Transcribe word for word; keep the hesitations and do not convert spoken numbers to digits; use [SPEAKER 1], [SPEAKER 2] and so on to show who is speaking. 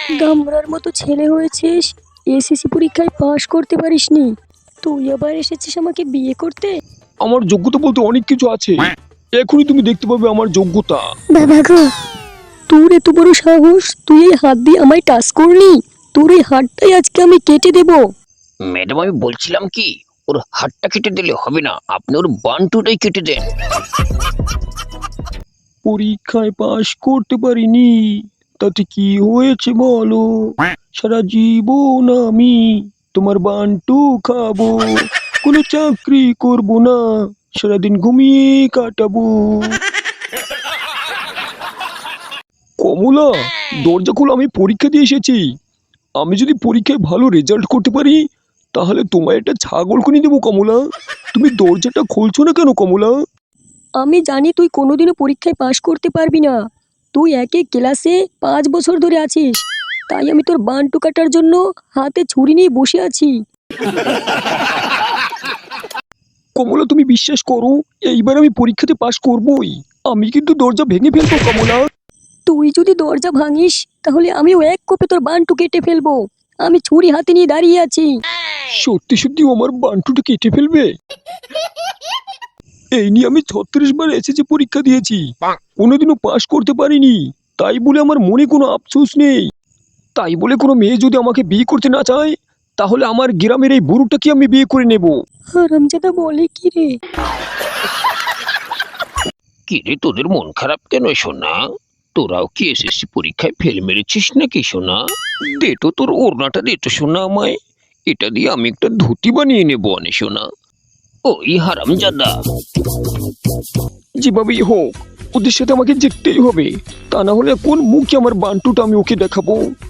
[SPEAKER 1] গামরার মতো ছেলে হয়েছিস, এসএসসি পরীক্ষায় পাশ করতে পারিসনি, তুই আবার এসেছিস আমাকে বিয়ে করতে?
[SPEAKER 2] আমার যোগ্যতা বলতে অনেক কিছু আছে, এখনই তুমি দেখতে পাবে আমার যোগ্যতা।
[SPEAKER 1] বাবা গো, তোর এত বড় সাহস, তুই এই হাত দিয়ে আমায় টাচ করলি? তোর এই হাতটাই আজকে আমি কেটে দেব।
[SPEAKER 3] ম্যাডাম আমি বলছিলাম কি, ওর হাতটা কেটে দিলে হবে না, আপনি ওর বান্টুটাই কেটে দেন।
[SPEAKER 2] পরীক্ষায় পাশ করতে পারিনি, তাতে কি হয়েছে বলো? সারা জীবন আমি তোমার বান্টু খাবো, কোনো চাকরি করব না, সারাদিন ঘুমিয়ে কাটাবো। কমলা, দরজা খোলো, আমি পরীক্ষা দিয়ে এসেছি। আমি যদি পরীক্ষায় ভালো রেজাল্ট করতে পারি তাহলে তোমায় একটা ছাগল কিনে দেবো। কমলা, তুমি দরজাটা খুলছো না কেন কমলা?
[SPEAKER 1] আমি জানি তুই কোনোদিনও পরীক্ষায় পাশ করতে পারবি না, তুই একই ক্লাসে পাঁচ বছর ধরে আছিস, তাই আমি তোর বান্টু কাটার জন্য হাতে ছুরি নিয়ে বসে আছি।
[SPEAKER 2] কমলা তুমি বিশ্বাস করো, এইবার আমি পরীক্ষাতে পাশ করবই। আমি কিন্তু দরজা ভেঙে ফেলবো কমলা।
[SPEAKER 1] তুই যদি দরজা ভাঙিস তাহলে আমিও এক কোপে তোর বান্টু কেটে ফেলবো। আমি ছুরি হাতে নিয়ে দাঁড়িয়ে আছি।
[SPEAKER 2] সত্যি সত্যি ও আমার বান্টুটা কেটে ফেলবে? এই নিয়ে আমি ছত্রিশ বার এসেছে পরীক্ষা দিয়েছি, কোনোদিনও পাশ করতে পারিনি, তাই বলে আমার মনে কোনো আফসোস নেই। তাই বলে কোনো মেয়ে যদি আমাকে বিয়ে করতে না চায় তাহলে আমার গ্রামের এই বুড়োটাকে আমি বিয়ে করে নেব।
[SPEAKER 1] হারামজাদা বলে কি রে?
[SPEAKER 3] কি রে, তোদের মন খারাপ কেন সোনা? তোরাও কি এসএসসি পরীক্ষায় ফেল মেরেছিস নাকি সোনা? দে তো তোর ওড়নাটা, দে তো সোনা আমায়, এটা দিয়ে আমি একটা ধুতি বানিয়ে নেবো অনে সোনা। ওই হারামজাদা,
[SPEAKER 2] যেভাবেই হোক ওদের সাথে আমাকে যেতেই হবে, তা না হলে কোন মুখে আমার বান্টুটা আমি ওকে দেখাবো।